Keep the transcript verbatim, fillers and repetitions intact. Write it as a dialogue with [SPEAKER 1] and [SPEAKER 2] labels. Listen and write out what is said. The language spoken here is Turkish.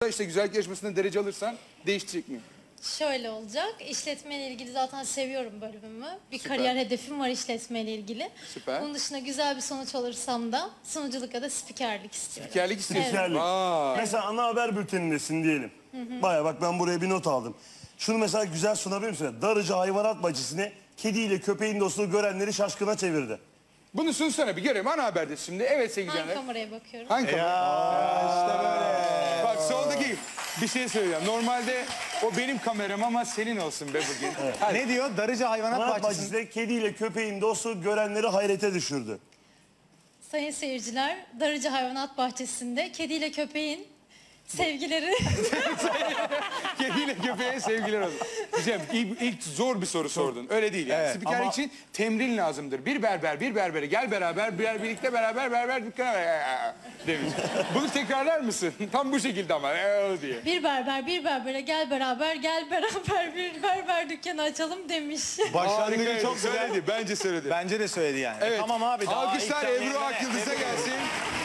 [SPEAKER 1] İşte güzellik yarışmasında derece alırsan değişecek mi?
[SPEAKER 2] Şöyle olacak. İşletmeyle ilgili zaten seviyorum bölümümü. Bir
[SPEAKER 1] Süper.
[SPEAKER 2] kariyer hedefim var işletmeyle ilgili.
[SPEAKER 1] Süper.
[SPEAKER 2] Bunun dışında güzel bir sonuç alırsam da sunuculuk ya da spikerlik istiyorum.
[SPEAKER 1] Spikerlik istiyorsun.
[SPEAKER 3] Spikerlik.
[SPEAKER 1] Vay.
[SPEAKER 3] Mesela ana haber bültenindesin diyelim. Baya bak ben buraya bir not aldım. Şunu mesela güzel sunabilir misin? Darıcı hayvanat bahçesine kediyle köpeğin dostluğu görenleri şaşkına çevirdi.
[SPEAKER 1] Bunu sunsana bir görelim. Ana haberde şimdi. Evet sevgili
[SPEAKER 2] Hangi
[SPEAKER 1] canlar.
[SPEAKER 2] kameraya bakıyorum?
[SPEAKER 1] Hangi kamera?
[SPEAKER 4] İşte böyle.
[SPEAKER 1] Bak soldaki bir şey söyleyeceğim. Normalde o benim kameram ama senin olsun be bugün. Hadi.
[SPEAKER 4] Ne diyor? Darıcı Hayvanat
[SPEAKER 3] Hayvanat
[SPEAKER 4] Bahçesi'nde.
[SPEAKER 3] bahçesinde kediyle köpeğin dostluğu görenleri hayrete düşürdü.
[SPEAKER 2] Sayın seyirciler, Darıcı Hayvanat Bahçesi'nde kediyle köpeğin sevgileri...
[SPEAKER 1] Kediyle köpeğe sevgiler olsun. Güzel. İlk, ilk zor bir soru sordun. Öyle değil yani.
[SPEAKER 4] Evet,
[SPEAKER 1] Spikerlik
[SPEAKER 4] ama-
[SPEAKER 1] için temrin lazımdır. Bir berber, bir berbere gel beraber, bir birlikte beraber, berber dükkana demiş. Bunu tekrarlar mısın? Tam bu şekilde ama ee, diye.
[SPEAKER 2] bir berber, bir berbere gel beraber, gel beraber bir berber dükkanı açalım demiş.
[SPEAKER 4] Başlangıcı
[SPEAKER 1] Harikaydı,
[SPEAKER 4] çok güzel.
[SPEAKER 1] söyledi. Bence söyledi.
[SPEAKER 4] Bence de söyledi yani.
[SPEAKER 1] Evet.
[SPEAKER 4] Tamam abi. Daha
[SPEAKER 1] Alkışlar
[SPEAKER 4] ilk
[SPEAKER 1] Ebru
[SPEAKER 4] demlerine-
[SPEAKER 1] Akyıldız'a gelsin.